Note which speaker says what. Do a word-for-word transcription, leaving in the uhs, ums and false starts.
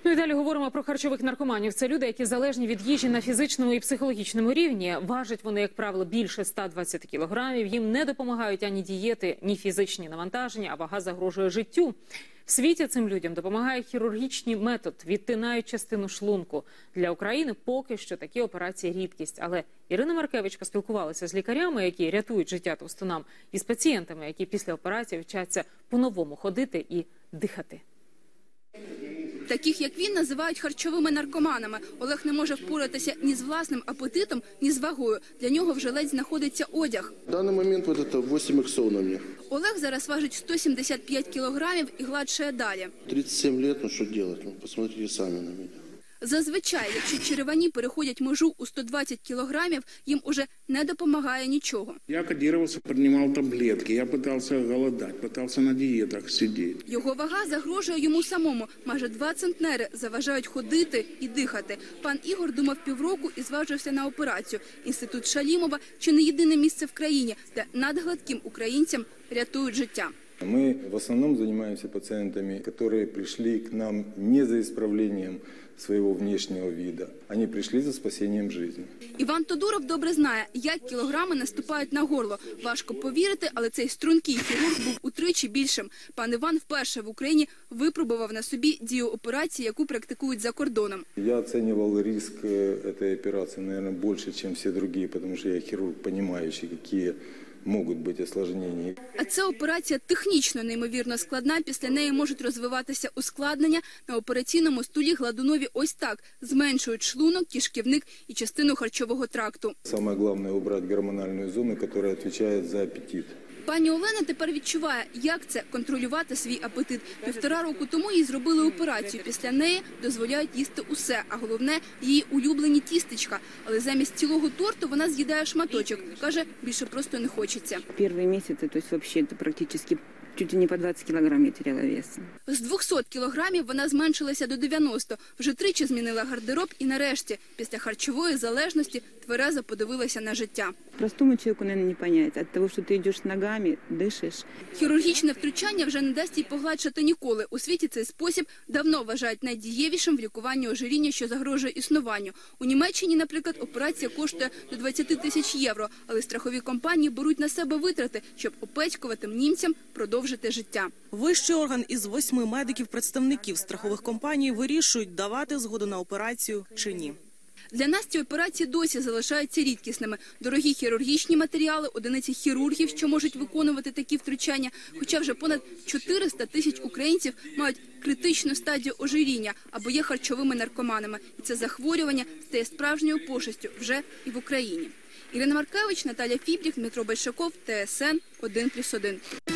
Speaker 1: Ну і далі говоримо про харчових наркоманів. Це люди, які залежні від їжі на фізичному і психологічному рівні. Важать вони, як правило, більше ста двадцяти кілограмів. Їм не допомагають ані дієти, ні фізичні навантаження, а вага загрожує життю. В світі цим людям допомагає хірургічний метод, відтинають частину шлунку. Для України поки що такі операції рідкість. Але Ірина Маркевич поспілкувалася з лікарями, які рятують життя товстунам, і з пацієнтами, які після операції вчаться по-новому ходити і дихати.
Speaker 2: Таких, як він, називають харчовими наркоманами. Олег не може впоратися ні з власним апетитом, ні з вагою. Для нього вже ледь знаходиться одяг.
Speaker 3: В даний момент вот це вісім іксов на мені.
Speaker 2: Олег зараз важить сто сімдесят п'ять кілограмів і гладшає далі.
Speaker 3: тридцять сім років, ну що робити? Ну, посмотрите самі на мене.
Speaker 2: Зазвичай, якщо черевані переходять межу у сто двадцять кілограмів, їм уже не допомагає нічого.
Speaker 4: Я кодировался, принимал таблетки, я пытался голодать, пытался на диетах сидеть.
Speaker 2: Його вага загрожує йому самому. Майже два центнери заважають ходити і дихати. Пан Ігор думав півроку і зважився на операцію. Інститут Шалімова – чи не єдине місце в країні, де надгладким українцям рятують життя.
Speaker 5: Мы в основном занимаемся пациентами, которые пришли к нам не за исправлением своего внешнего вида. Они пришли за спасением жизни.
Speaker 2: Іван Тодуров добре знає, як кілограми наступають на горло. Важко повірити, але цей стрункий хірург був утричі більшим. Пан Іван вперше в Україні випробував на собі дію операції, яку практикують за кордоном.
Speaker 5: Я оценивал риск этой операции, наверное, больше, чем все другие, потому что я хирург, понимающий, какие можуть бути осложнення.
Speaker 2: А це операція технічно неймовірно складна. Після неї можуть розвиватися ускладнення. На операційному столі Гладунові ось так. Зменшують шлунок, кишківник і частину харчового тракту.
Speaker 5: Саме головне – обрати гормональну зону, яка відповідає за апетит.
Speaker 2: Пані Олена тепер відчуває, як це – контролювати свій апетит. Півтора року тому їй зробили операцію. Після неї дозволяють їсти усе, а головне – її улюблені тістечка. Але замість цілого торту вона з'їдає шматочок. Каже, більше просто не хочеться.
Speaker 6: Перші місяці, тобто взагалі практично чуть не по двадцять кілограмів я теряла вес.
Speaker 2: З двохсот кілограмів вона зменшилася до дев'яноста. Вже тричі змінила гардероб і нарешті, після харчової залежності, тверезо подивилася на життя.
Speaker 6: Простому чоловіку, мабуть, не зрозуміти. Від того, що ти йдеш ногами, дишиш.
Speaker 2: Хірургічне втручання вже не дасть їй погладшати ніколи. У світі цей спосіб давно вважають найдієвішим в лікуванні ожиріння, що загрожує існуванню. У Німеччині, наприклад, операція коштує до двадцяти тисяч євро. Але страхові компанії беруть на себе витрати, щоб опецькуватим німцям продовжити життя.
Speaker 7: Вищий орган із восьми медиків-представників страхових компаній вирішують, давати згоду на операцію чи ні.
Speaker 2: Для нас ці операції досі залишаються рідкісними. Дорогі хірургічні матеріали, одиниці хірургів, що можуть виконувати такі втручання. Хоча вже понад чотириста тисяч українців мають критичну стадію ожиріння або є харчовими наркоманами. І це захворювання стає справжньою пошестю вже і в Україні. Ірина Маркевич, Наталя Фібрік, Дмитро Большаков, Т С Н один плюс один.